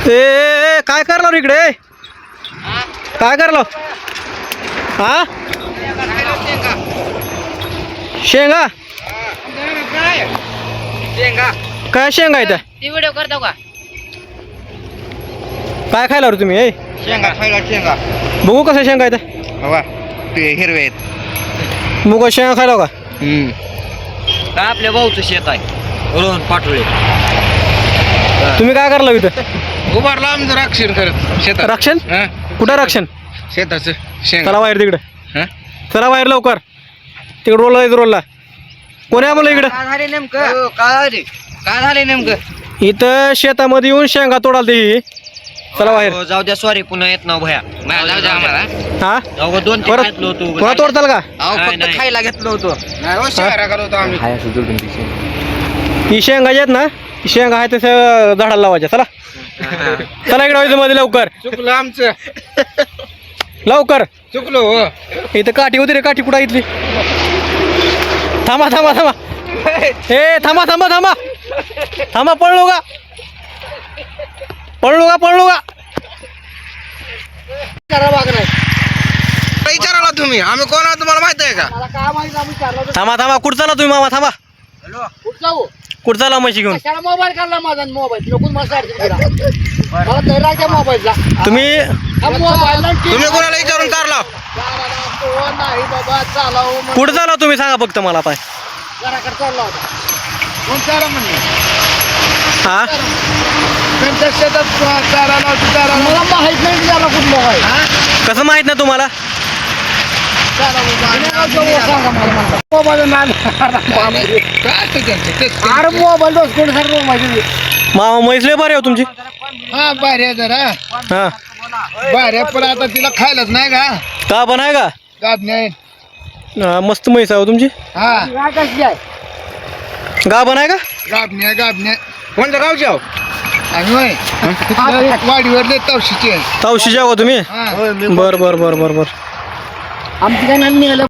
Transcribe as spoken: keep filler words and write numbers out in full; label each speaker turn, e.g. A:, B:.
A: ए काय करलो रे इकडे काय करलो हा शेंगा
B: शेंगा
A: काय शेंगा इथं
B: ती व्हिडिओ करतो का
A: काय खायला रे तुम्ही ए
B: शेंगा खायला शेंगा
A: बघू कसं शेंगा इथं
B: हवा ते हिरवे आहेत
A: मुग शेंगा खायला का
B: काय आपल्या भाऊचं शेत आहे रोहन पाटोळे
A: तुम्ही काय करला इथं
B: उभारला आमचं रक्षण करत शेतात
A: रक्षण
B: हा
A: कुठं रक्षण
B: शेताचं शेंगा
A: चला बाहेर तिकडे
B: हा
A: चला बाहेर लवकर तिकडे रोलला इथं रोलला कोणी आहे म्हणलं इकडं
B: काय झाले नेमकं काय झाले काय झाले नेमकं
A: इथं शेतामध्ये येऊन शेंगा तोडाल ती चला बाहेर
B: जाऊ द्या सॉरी पुन्हा येत ना भया जाऊ द्या आम्हाला
A: हा
B: अहो दोन तीन
A: परत
B: घेतलो होतो
A: पुन्हा तोडताल का
B: अहो फक्त खायला घेतलो होतो नाही शेंगा करत होतो आम्ही
A: ही शेंगा आहेत ना ही शेंगा आहे तसं झाडाला लावायच्या चला चला इकडे व्हायचं मध्ये लवकर
B: चुकलं आमचं
A: लवकर
B: चुकलो हो
A: इथं काठी होती रे काठी कुठं इथली थांबा थांबा थांबा ए थांबा थांबा थांबा थांबा पळलो का पळलो का पळलो का
B: विचाराला तुम्ही आम्ही कोण आहोत तुम्हाला माहित आहे का
A: थांबा थांबा कुठं चाला तुम्ही मामा थांबा
C: जाऊ
A: कुठं चाला म्हशी घेऊन
C: त्याला मोबाईल काढला माझा मोबाईल नको मला मला धरायच्या मोबाईलला
A: तुम्ही
C: मोबाईल
B: तुम्ही कोणाला विचारून कारला
C: नाही बाबा चालाव
A: कुठं चाला तुम्ही सांगा फक्त मला पाय
C: घराकडे चालला होता
B: कोण चारा म्हणले
A: हा
B: त्यांच्या शेतात चारा लावतो चारा
C: मला माहित नाही त्याला कुठलं आहे
A: कसं माहित नाही तुम्हाला
C: सांगा मला मोबाईल अरे मोबाईल दोस कोण सर मोबाईल
A: मामा म्हैसले बरे हो तुमची
B: हा बाऱ्या जरा
A: हा
B: बाऱ्या पण आता तिला खायलाच नाही का
A: का पण आहे का
B: गाद नाही
A: हा, मस्त म्हैस आहे हो तुमची
B: हा
C: कशी आहे
A: गा पण आहे का
B: गाब नाही गाब नाही कोणत्या गावची आहो आम्ही होय वाडीवर तवशीची आहे
A: तावशी जाऊ तुम्ही
B: हा
A: बर बर बर बर बर
C: आमची काय नाही निघालं